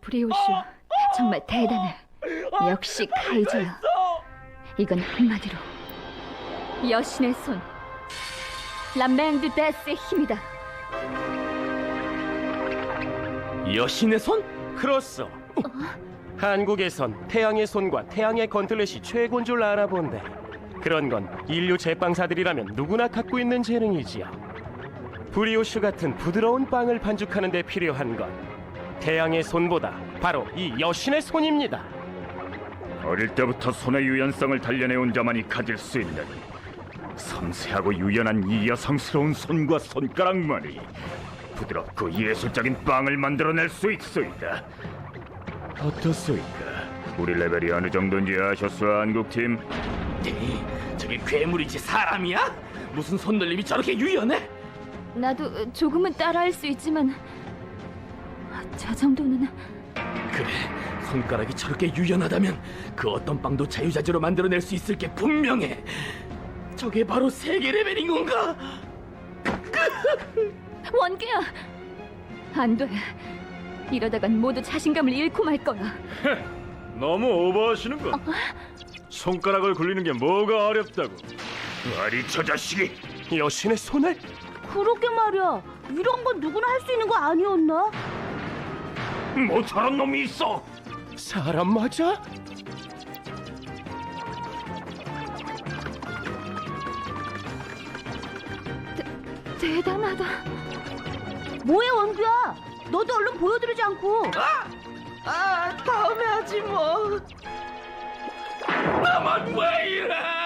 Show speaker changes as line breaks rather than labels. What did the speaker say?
브리오슈, 정말 대단해. 역시 카이저야. 이건 한마디로 여신의 손, 라맹드 데스의 힘이다.
여신의 손? 그렇소. 한국에선 태양의 손과 태양의 건틀렛이 최고인 줄 알아본데, 그런 건 인류 제빵사들이라면 누구나 갖고 있는 재능이지요. 브리오슈 같은 부드러운 빵을 반죽하는 데 필요한 건 태양의 손보다 바로 이 여신의 손입니다.
어릴 때부터 손의 유연성을 단련해온 자만이 가질 수 있는 섬세하고 유연한 이 여성스러운 손과 손가락만이 부드럽고 예술적인 빵을 만들어낼 수 있소이다. 어떻소이까? 우리 레벨이 어느 정도인지 아셨어, 한국팀?
저게 괴물이지 사람이야? 무슨 손놀림이 저렇게 유연해?
나도 조금은 따라할 수 있지만 저 정도는...
그래, 손가락이 저렇게 유연하다면 그 어떤 빵도 자유자재로 만들어낼 수 있을 게 분명해. 저게 바로 세계 레벨인 건가?
원규야! 안 돼. 이러다간 모두 자신감을 잃고 말 거야.
너무 오버하시는군. 손가락을 굴리는 게 뭐가 어렵다고? 아니, 저 자식이!
여신의 손을?
그러게 말이야. 이런 건 누구나 할 수 있는 거 아니었나?
뭐 저런 놈이 있어!
사람 맞아?
대단하다.
뭐해, 원규야? 너도 얼른 보여드리지 않고.
다음에 하지 뭐. 나만 왜 이래?